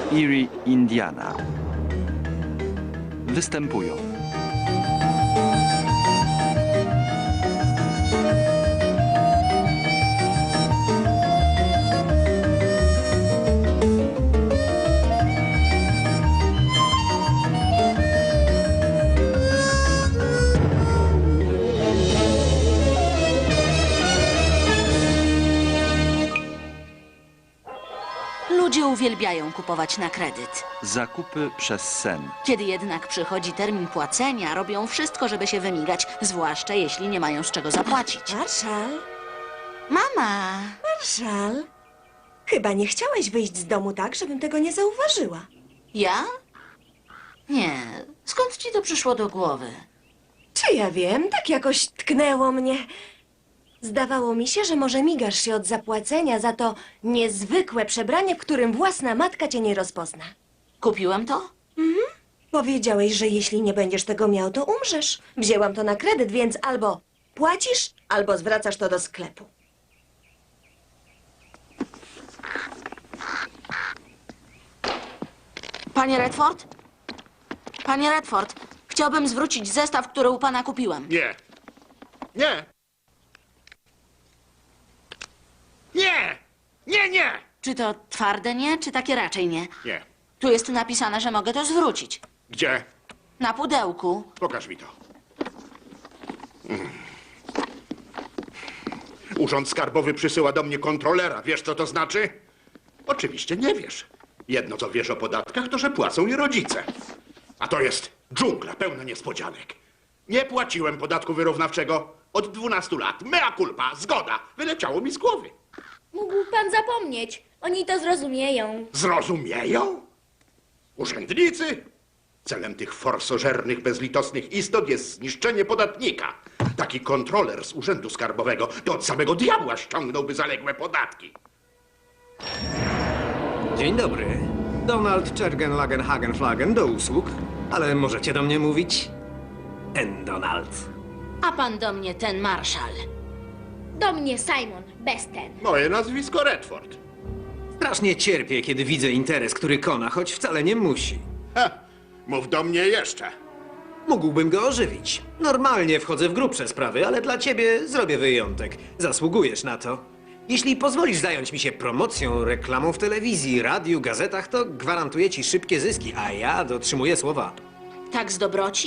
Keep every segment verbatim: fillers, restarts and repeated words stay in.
Erie, Indiana. Występują Ludzie uwielbiają kupować na kredyt. zakupy przez sen. Kiedy jednak przychodzi termin płacenia, robią wszystko, żeby się wymigać, zwłaszcza jeśli nie mają z czego zapłacić. Marszal, Mama! Marszal, chyba nie chciałeś wyjść z domu tak, żebym tego nie zauważyła. Ja? Nie. Skąd ci to przyszło do głowy? Czy ja wiem, tak jakoś tknęło mnie. Zdawało mi się, że może migasz się od zapłacenia za to niezwykłe przebranie, w którym własna matka cię nie rozpozna. Kupiłem to? Powiedziałeś, że jeśli nie będziesz tego miał, to umrzesz. Wzięłam to na kredyt, więc albo płacisz, albo zwracasz to do sklepu. Panie Redford? Panie Redford, chciałbym zwrócić zestaw, który u pana kupiłem. Nie. Nie. Nie! Nie, nie! Czy to twarde nie, czy takie raczej nie? Nie. Tu jest napisane, że mogę to zwrócić. Gdzie? Na pudełku. Pokaż mi to. Mm. Urząd Skarbowy przysyła do mnie kontrolera. Wiesz, co to znaczy? Oczywiście nie wiesz. Jedno, co wiesz o podatkach, to, że płacą je rodzice. A to jest dżungla pełna niespodzianek. Nie płaciłem podatku wyrównawczego od dwunastu lat. Mea culpa, zgoda. Wyleciało mi z głowy. Mógł pan zapomnieć. Oni to zrozumieją. Zrozumieją? Urzędnicy? Celem tych forsożernych, bezlitosnych istot jest zniszczenie podatnika. Taki kontroler z Urzędu Skarbowego to od samego diabła ściągnąłby zaległe podatki. Dzień dobry. Donald Czergen Lagenhagen Flagen do usług. Ale możecie do mnie mówić N. Donald. A pan do mnie ten marszal. Do mnie Simon, bez ten. Moje nazwisko Redford. Strasznie cierpię, kiedy widzę interes, który kona, choć wcale nie musi. Ha, mów do mnie jeszcze. Mógłbym go ożywić. Normalnie wchodzę w grubsze sprawy, ale dla ciebie zrobię wyjątek. Zasługujesz na to. Jeśli pozwolisz zająć mi się promocją, reklamą w telewizji, radiu, gazetach, to gwarantuję ci szybkie zyski, a ja dotrzymuję słowa. Tak z dobroci?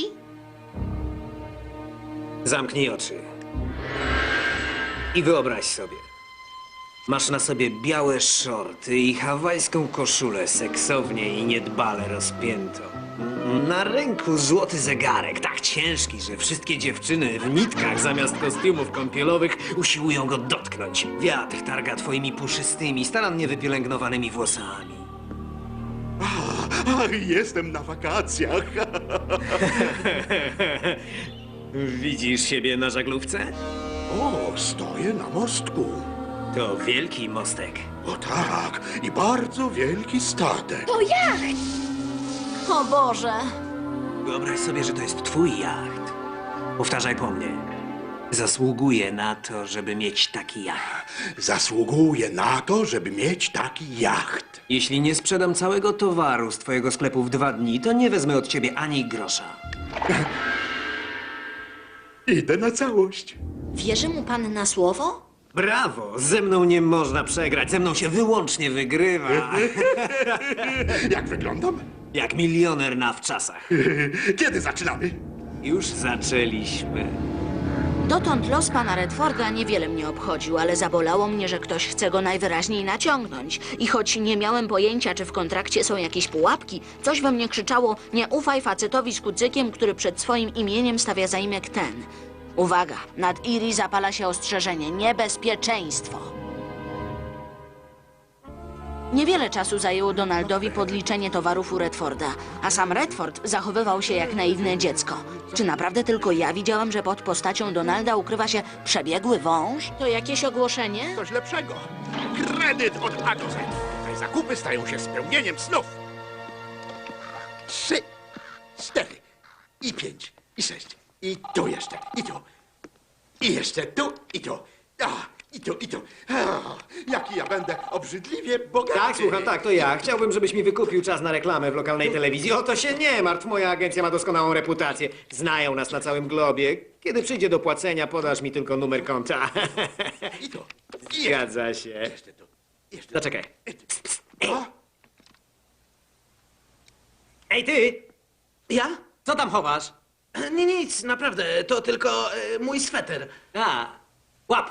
Zamknij oczy. I wyobraź sobie. Masz na sobie białe szorty i hawajską koszulę seksownie i niedbale rozpiętą. Na ręku złoty zegarek, tak ciężki, że wszystkie dziewczyny w nitkach zamiast kostiumów kąpielowych usiłują go dotknąć. Wiatr targa twoimi puszystymi, starannie wypielęgnowanymi włosami. Ach, jestem na wakacjach. Widzisz siebie na żaglówce? O, stoję na mostku. To wielki mostek. O tak, i bardzo wielki statek. To jacht! O Boże! Wyobraź sobie, że to jest twój jacht. Powtarzaj po mnie. Zasługuję na to, żeby mieć taki jacht. Zasługuję na to, żeby mieć taki jacht. Jeśli nie sprzedam całego towaru z twojego sklepu w dwa dni, to nie wezmę od ciebie ani grosza. Idę na całość. Wierzy mu pan na słowo? Brawo! Ze mną nie można przegrać, ze mną się wyłącznie wygrywa. Jak wyglądam? Jak milioner na wczasach. Kiedy zaczynamy? Już zaczęliśmy. Dotąd los pana Redforda niewiele mnie obchodził, ale zabolało mnie, że ktoś chce go najwyraźniej naciągnąć. I choć nie miałem pojęcia, czy w kontrakcie są jakieś pułapki, coś we mnie krzyczało: nie ufaj facetowi z kucykiem, który przed swoim imieniem stawia zaimek ten. Uwaga, nad Erie zapala się ostrzeżenie: niebezpieczeństwo. Niewiele czasu zajęło Donaldowi podliczenie towarów u Redforda, a sam Redford zachowywał się jak naiwne dziecko. Czy naprawdę tylko ja widziałam, że pod postacią Donalda ukrywa się przebiegły wąż? To jakieś ogłoszenie? Coś lepszego. Kredyt od A do Z. Tutaj zakupy stają się spełnieniem snów. Trzy, cztery, i pięć, i sześć, i tu jeszcze, i tu. I jeszcze tu, i tu. A, I to, i to. O, jaki ja będę obrzydliwie bogaty. Tak, słucham, tak, to ja. Chciałbym, żebyś mi wykupił czas na reklamę w lokalnej telewizji. O to się nie martw, moja agencja ma doskonałą reputację. Znają nas na całym globie. Kiedy przyjdzie do płacenia, podasz mi tylko numer konta. I to. Zgadza się. Jeszcze to. Jeszcze Zaczekaj. to. Ej, ty! Ja? Co tam chowasz? Nie, nic, naprawdę, to tylko e, mój sweter. A, łap!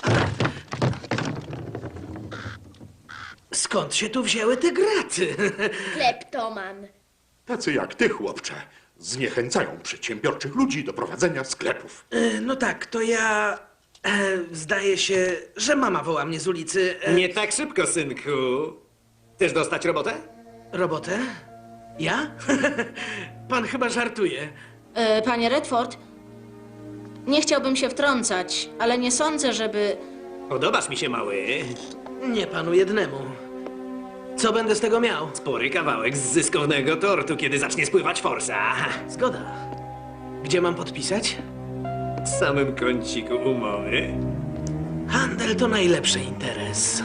Skąd się tu wzięły te graty? Kleptoman. Tacy jak ty, chłopcze, zniechęcają przedsiębiorczych ludzi do prowadzenia sklepów. E, no tak, to ja... E, zdaje się, że mama woła mnie z ulicy. E, Nie tak szybko, synku. Chcesz dostać robotę? Robotę? Ja? Pan chyba żartuje. E, panie Redford, nie chciałbym się wtrącać, ale nie sądzę, żeby... Podobasz mi się, mały. Nie panu jednemu. Co będę z tego miał? Spory kawałek z zyskownego tortu, kiedy zacznie spływać forsa. Zgoda. Gdzie mam podpisać? W samym kąciku umowy. Handel to najlepszy interes.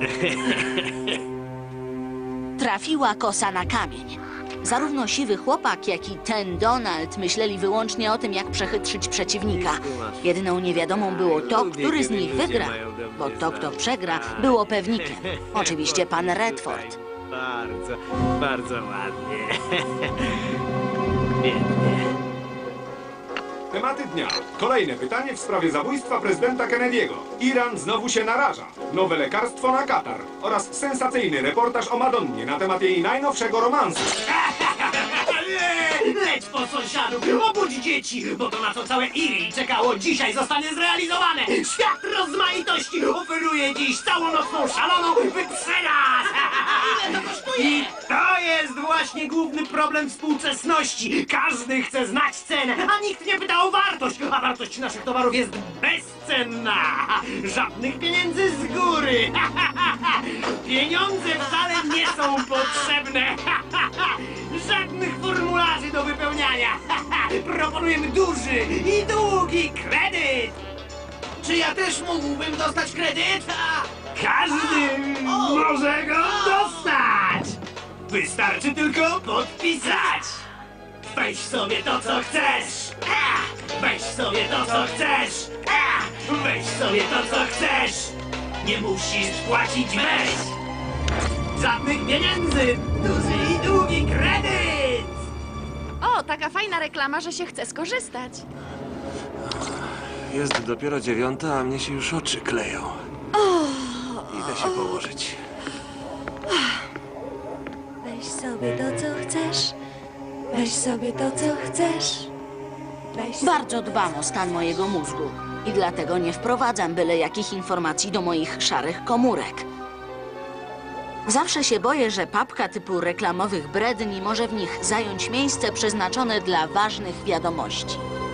Trafiła kosa na kamień. Zarówno siwy chłopak, jak i ten Donald myśleli wyłącznie o tym, jak przechytrzyć przeciwnika. Jedyną niewiadomą było to, który z nich wygra, bo to, kto przegra, było pewnikiem. Oczywiście pan Redford. Bardzo, bardzo ładnie. Pięknie. Tematy dnia. Kolejne pytanie w sprawie zabójstwa prezydenta Kennedy'ego. Iran znowu się naraża. Nowe lekarstwo na katar. Oraz sensacyjny reportaż o Madonnie na temat jej najnowszego romansu. Leć po sąsiadów, obudź dzieci, bo to na co całe Erie czekało dzisiaj zostanie zrealizowane. Świat rozmaitości oferuje dziś całonocną szaloną wyprzedaż. Ile to kosztuje? I to jest właśnie główny problem współczesności. Każdy chce znać cenę, a nikt nie pyta o wartość, a wartość naszych towarów jest bezcenna. Żadnych pieniędzy z góry. Pieniądze wcale nie są potrzebne. Żadnych formularzy do wypełniania. Proponujemy duży i długi kredyt. Czy ja też mógłbym dostać kredyt? Każdy może go dostać. Wystarczy tylko podpisać. Weź sobie to, co chcesz. Weź sobie to, co chcesz. Weź sobie to, co chcesz. Nie musisz płacić, weź. Żadnych pieniędzy. Duży i długi kredyt. O, taka fajna reklama, że się chce skorzystać. Jest dopiero dziewiąta, a mnie się już oczy kleją. Idę się położyć. Weź sobie to, co chcesz. Weź sobie to, co chcesz. Weź Bardzo dbam o stan mojego mózgu i dlatego nie wprowadzam byle jakich informacji do moich szarych komórek. Zawsze się boję, że papka typu reklamowych bredni może w nich zająć miejsce przeznaczone dla ważnych wiadomości.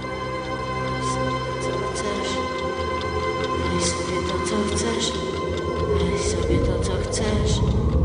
Weź sobie to, co chcesz. Weź sobie to, co chcesz.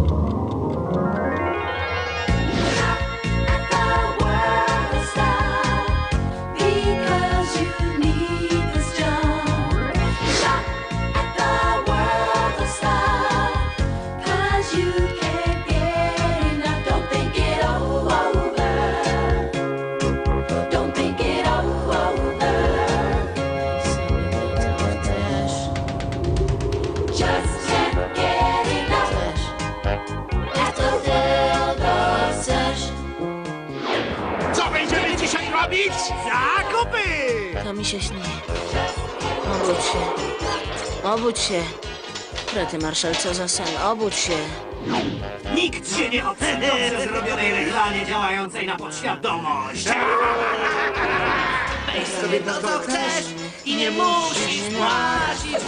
Zakupy! To mi się śni. Obudź się. Obudź się. Rety, Marszal, co za sen. Obudź się. Nikt się nie oceni dobrze zrobionej reklamie działającej na podświadomość. Weź sobie to, co chcesz i nie musisz płacić.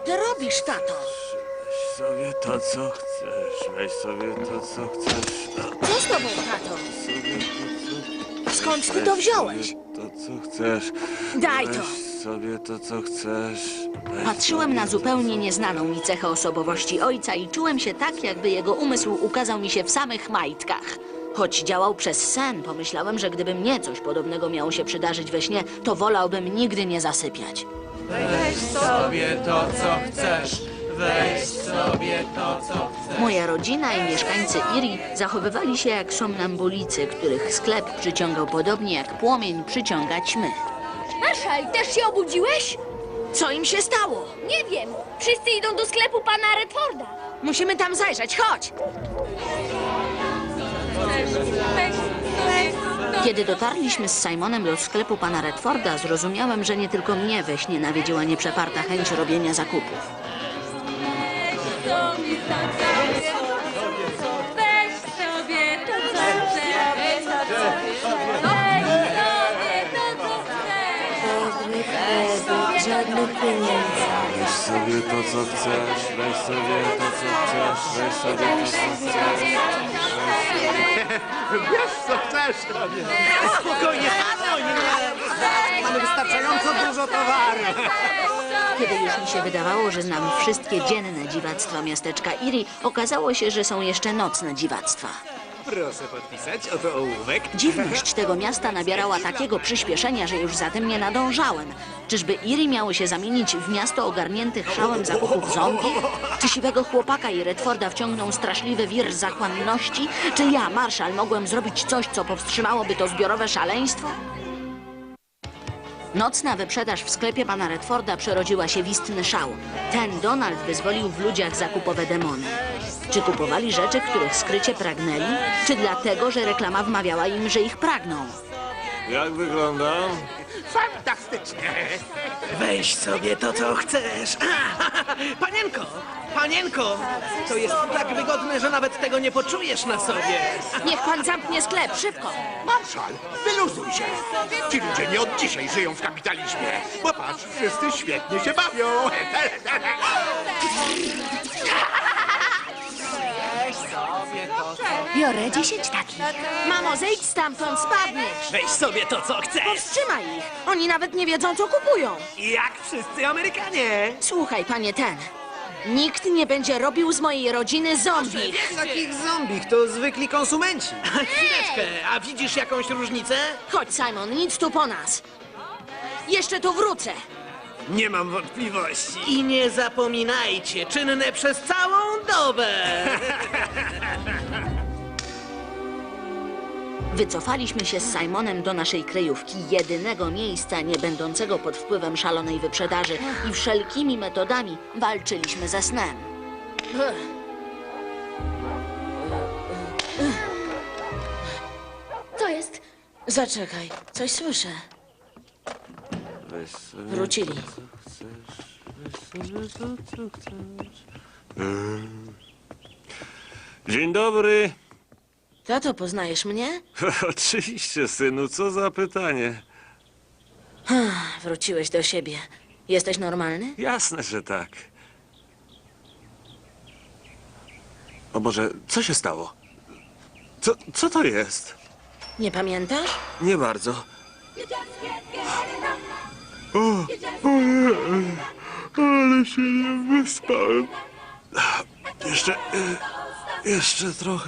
ty robisz, tato? Weź sobie to, co chcesz. Weź sobie to, co chcesz. No, Co z tobą, tato? sobie to, co... Skąd ty to wziąłeś? Weź to, co chcesz. Daj to. Weź sobie to, co chcesz. Weź Patrzyłem sobie na to, zupełnie co- nieznaną mi cechę osobowości ojca i czułem się tak, jakby jego umysł ukazał mi się w samych majtkach. Choć działał przez sen, pomyślałem, że gdyby mnie coś podobnego miało się przydarzyć we śnie, to wolałbym nigdy nie zasypiać. Sobie to, co chcesz. Weź sobie to, co chcesz. Moja rodzina i mieszkańcy Erie zachowywali się jak somnambulicy, których sklep przyciągał podobnie jak płomień przyciąga ćmy. Marszal, też się obudziłeś? Co im się stało? Nie wiem. Wszyscy idą do sklepu pana Redforda. Musimy tam zajrzeć, chodź! Kiedy dotarliśmy z Simonem do sklepu pana Redforda, zrozumiałem, że nie tylko mnie we śnie nawiedziła nieprzeparta chęć robienia zakupów. Weź sobie to, co chcesz. Weź sobie to, co chcesz. Żadnych pieniędzy. Weź sobie to, co chcesz. Weź sobie to, co chcesz. Weź sobie to, co chcesz. Wiesz, co chcesz? Spokojnie, spokojnie! Mamy wystarczająco dużo towaru. Kiedy już mi się wydawało, że znam wszystkie dzienne dziwactwa miasteczka Erie, okazało się, że są jeszcze nocne dziwactwa. Proszę podpisać, oto ołówek. Dziwność tego miasta nabierała takiego przyspieszenia, że już za tym nie nadążałem. Czyżby Erie miało się zamienić w miasto ogarniętych szałem zakupów zombie? Czy siwego chłopaka i Redforda wciągnął straszliwy wir zachłanności? Czy ja, marszal, mogłem zrobić coś, co powstrzymałoby to zbiorowe szaleństwo? Nocna wyprzedaż w sklepie pana Redforda przerodziła się w istny szał. Ten Donald wyzwolił w ludziach zakupowe demony. Czy kupowali rzeczy, których skrycie pragnęli? Czy dlatego, że reklama wmawiała im, że ich pragną? Jak wyglądam? Fantastycznie. Weź sobie to, co chcesz. Panienko, panienko, to jest tak wygodne, że nawet tego nie poczujesz na sobie. Niech pan zamknie sklep, szybko! Marszal, wyluzuj się. Ci ludzie nie od dzisiaj żyją w kapitalizmie. Popatrz, wszyscy świetnie się bawią. Biorę dziesięć takich. Mamo, zejdź stamtąd, spadniesz! Weź sobie to, co chcesz. Powstrzymaj ich! Oni nawet nie wiedzą, co kupują! Jak wszyscy Amerykanie. Słuchaj, panie ten. Nikt nie będzie robił z mojej rodziny zombie. Takich zombich to zwykli konsumenci. Chwileczkę, a widzisz jakąś różnicę? Chodź, Simon, nic tu po nas. Jeszcze tu wrócę. Nie mam wątpliwości. I nie zapominajcie, czynne przez całą dobę. Wycofaliśmy się z Simonem do naszej kryjówki, jedynego miejsca nie będącego pod wpływem szalonej wyprzedaży i wszelkimi metodami walczyliśmy ze snem. Co jest? Zaczekaj, coś słyszę. Weź sobie Wrócili. weź sobie to, co chcesz. Mm. Dzień dobry. Tato, poznajesz mnie? Oczywiście, synu, co za pytanie. Wróciłeś do siebie. Jesteś normalny? Jasne, że tak. O Boże, co się stało? Co, co to jest? Nie pamiętasz? Nie bardzo. O, ojej, ale się nie wyspałem. Jeszcze, e, jeszcze trochę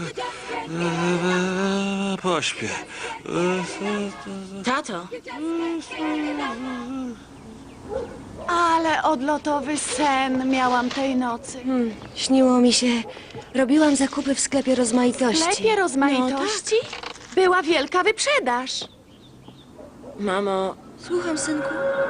e, pośpię. Tato, Ale odlotowy sen miałam tej nocy. Hmm, śniło mi się. Robiłam zakupy w sklepie W rozmaitości. sklepie rozmaitości była wielka wyprzedaż. mamo, Słucham, synku.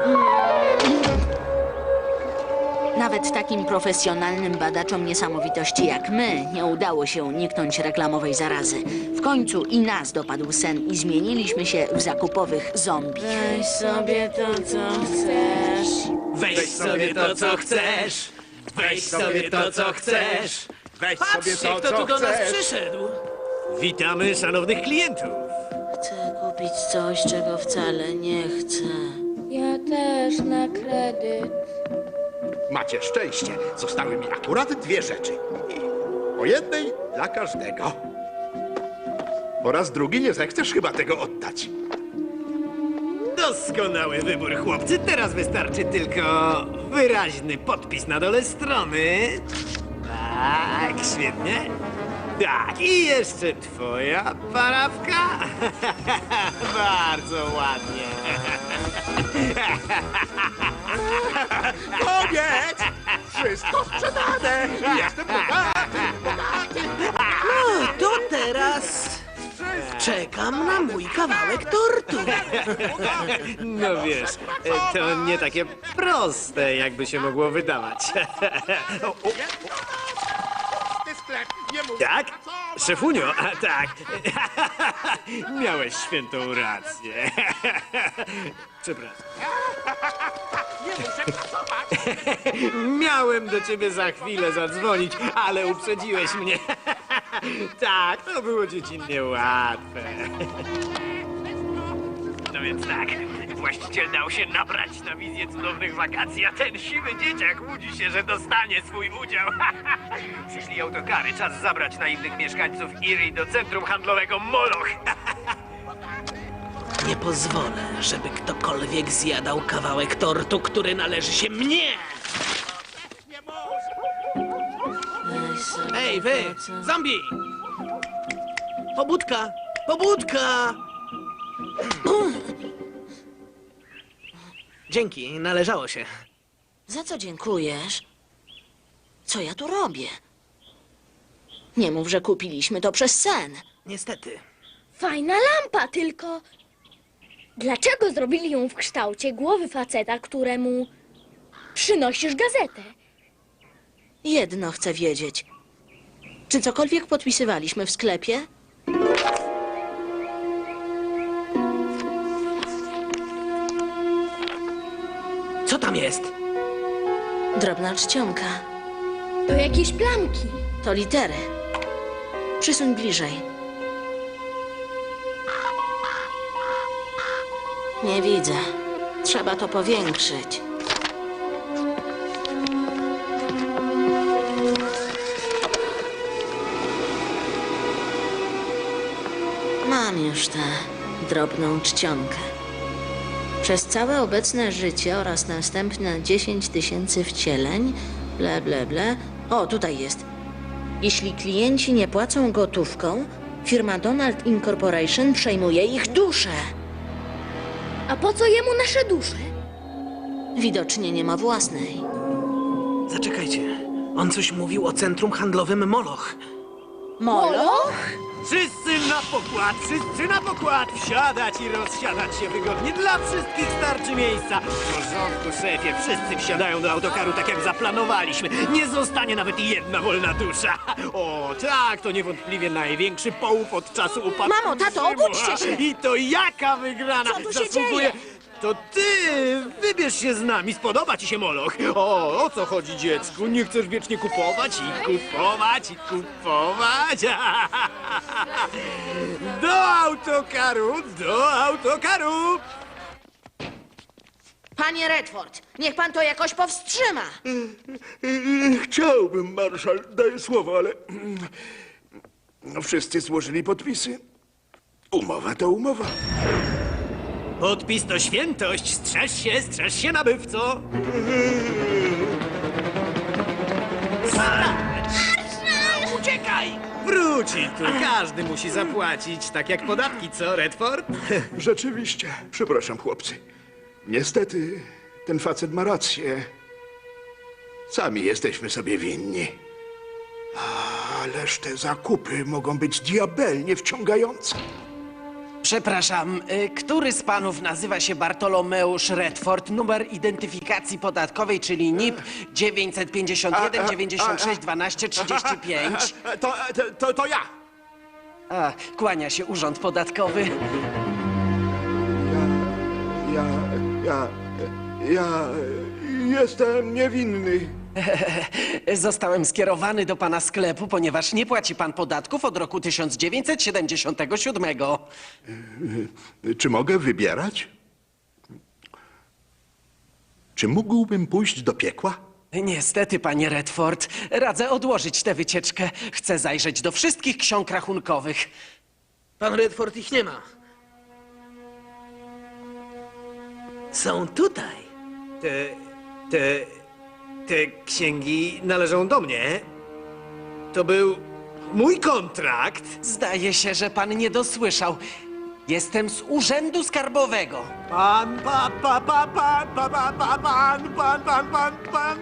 nawet takim profesjonalnym badaczom niesamowitości jak my nie udało się uniknąć reklamowej zarazy. W końcu i nas dopadł sen i zmieniliśmy się w zakupowych zombie. Weź sobie to, co chcesz. Weź sobie to, co chcesz. Weź sobie to, co chcesz. Weź sobie Patrzcie, to, kto co tu do nas chcesz. przyszedł. Witamy szanownych klientów. Chcę kupić coś, czego wcale nie chcę. Ja też na kredyt. Macie szczęście. Zostały mi akurat dwie rzeczy. Po jednej dla każdego. Po raz drugi nie zechcesz chyba tego oddać. Doskonały wybór, chłopcy. Teraz wystarczy tylko wyraźny podpis na dole strony. Tak, świetnie. Tak, i jeszcze twoja parafka. Bardzo ładnie. Koniec! Wszystko sprzedane! Jestem bogaty, bogaty! No, to teraz czekam na mój kawałek tortu. No wiesz, to nie takie proste, jakby się mogło wydawać. O, o, Ty sklep, nie mów tak? pracować! Szefunio, a tak. Miałeś świętą rację. Przepraszam. Nie muszę pracować! Miałem do ciebie za chwilę zadzwonić, ale uprzedziłeś mnie. Tak, to było dziecinnie łatwe. No więc tak, właściciel dał się nabrać na wizję cudownych wakacji, a ten siwy dzieciak łudzi się, że dostanie swój udział. Przyszli autokary, czas zabrać naiwnych mieszkańców Erie do centrum handlowego Moloch. Nie pozwolę, żeby ktokolwiek zjadał kawałek tortu, który należy się mnie! Ej, wy! Zombie! Pobudka! Pobudka! Dzięki, należało się. Za co dziękujesz? Co ja tu robię? Nie mów, że kupiliśmy to przez sen. Niestety. Fajna lampa, tylko... Dlaczego zrobili ją w kształcie głowy faceta, któremu przynosisz gazetę? Jedno chcę wiedzieć. Czy cokolwiek podpisywaliśmy w sklepie? Co tam jest? Drobna czcionka. To jakieś plamki. To litery. Przysuń bliżej. Nie widzę. Trzeba to powiększyć. Mam już tę drobną czcionkę. Przez całe obecne życie oraz następne dziesięć tysięcy wcieleń, ble, ble, ble. O, tutaj jest. Jeśli klienci nie płacą gotówką, firma Donald Incorporation przejmuje ich duszę. A po co jemu nasze dusze? Widocznie nie ma własnej. Zaczekajcie. On coś mówił o centrum handlowym Moloch. Moloch? Wszyscy na pokład, wszyscy na pokład! Wsiadać i rozsiadać się wygodnie. Dla wszystkich starczy miejsca. W porządku, szefie, wszyscy wsiadają do autokaru tak jak zaplanowaliśmy. Nie zostanie nawet jedna wolna dusza. O, tak, to niewątpliwie największy połów od czasu upadku. Mamo, tato, Rzymu. obudźcie się! I to jaka wygrana! Co tu się Zasługuje... dzieje? To ty! Wybierz się z nami, spodoba ci się Moloch. O, o co chodzi, dziecku? Nie chcesz wiecznie kupować i kupować i kupować? Do autokaru, do autokaru! Panie Redford, niech pan to jakoś powstrzyma. Chciałbym, marszał, daję słowo, ale... No, wszyscy złożyli podpisy. Umowa to umowa. Podpis to świętość, strzeż się, strzeż się, nabywco! Uciekaj! Wróci tu, każdy musi zapłacić, tak jak podatki, co, Redford? Rzeczywiście. Przepraszam, chłopcy. Niestety, ten facet ma rację. Sami jesteśmy sobie winni. Ależ te zakupy mogą być diabelnie wciągające. Przepraszam, y, który z panów nazywa się Bartolomeusz Redford? Numer identyfikacji podatkowej, czyli N I P dziewięćset pięćdziesiąt jeden dziewięćdziesiąt sześć dwanaście trzydzieści pięć. To, to, to, to ja. A, kłania się urząd podatkowy. Ja, ja, ja jestem niewinny. Zostałem skierowany do pana sklepu, ponieważ nie płaci pan podatków od roku tysiąc dziewięćset siedemdziesiątego siódmego. Czy mogę wybierać? Czy mógłbym pójść do piekła? Niestety, panie Redford, radzę odłożyć tę wycieczkę. Chcę zajrzeć do wszystkich ksiąg rachunkowych. Pan Redford ich nie ma. Są tutaj. Te... te... te księgi należą do mnie. To był mój kontrakt. Zdaje się, że pan nie dosłyszał. Jestem z Urzędu Skarbowego. Pan, pa, pa, pa, pan, pa, pa, pa, pan, pan, pan, pan, pan.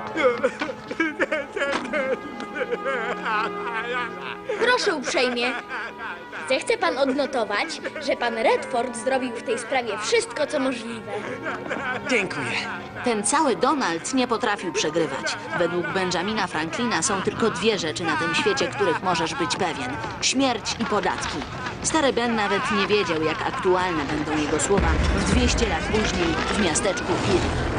Proszę uprzejmie. Zechce pan odnotować, że pan Redford zrobił w tej sprawie wszystko, co możliwe. Dziękuję. Ten cały Donald nie potrafił przegrywać. Według Benjamina Franklina są tylko dwie rzeczy na tym świecie, których możesz być pewien. Śmierć i podatki. Stary Ben nawet nie wiedział, jak aktualne będą jego słowa w dwieście lat później w miasteczku Erie.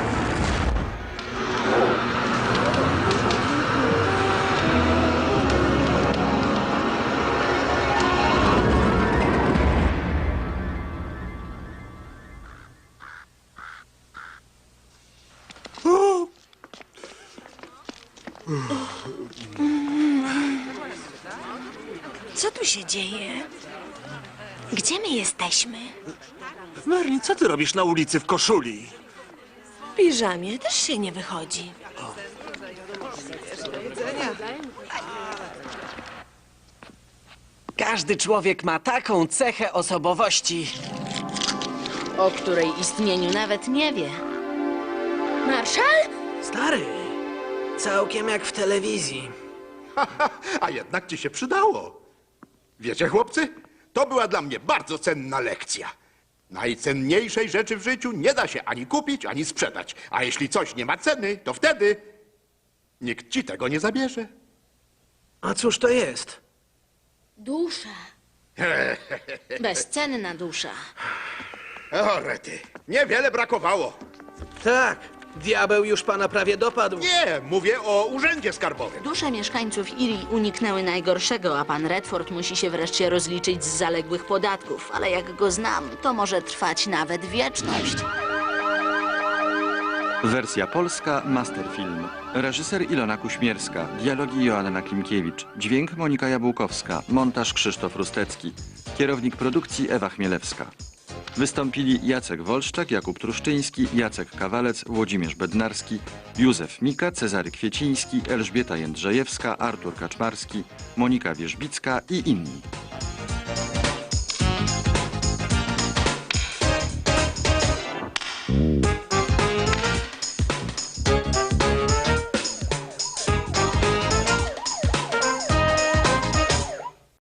Co tu się dzieje? Gdzie my jesteśmy? Merlin, co ty robisz na ulicy w koszuli? W piżamie też się nie wychodzi. Każdy człowiek ma taką cechę osobowości. O której istnieniu nawet nie wie. Marszal? Stary, całkiem jak w telewizji. A jednak ci się przydało. Wiecie, chłopcy, to była dla mnie bardzo cenna lekcja. Najcenniejszej rzeczy w życiu nie da się ani kupić, ani sprzedać. A jeśli coś nie ma ceny, to wtedy nikt ci tego nie zabierze. A cóż to jest? Dusza. Bezcenna dusza. O, rety, niewiele brakowało. Tak, diabeł już pana prawie dopadł. Nie, mówię o urzędzie skarbowym. Dusze mieszkańców Erie uniknęły najgorszego, a pan Redford musi się wreszcie rozliczyć z zaległych podatków. Ale jak go znam, to może trwać nawet wieczność. Wersja polska Masterfilm. Reżyser Ilona Kuśmierska. Dialogi Joanna Klimkiewicz. Dźwięk Monika Jabłkowska. Montaż Krzysztof Rustecki. Kierownik produkcji Ewa Chmielewska. Wystąpili Jacek Wolszczak, Jakub Truszczyński, Jacek Kawalec, Włodzimierz Bednarski, Józef Mika, Cezary Kwieciński, Elżbieta Jędrzejewska, Artur Kaczmarski, Monika Wierzbicka i inni.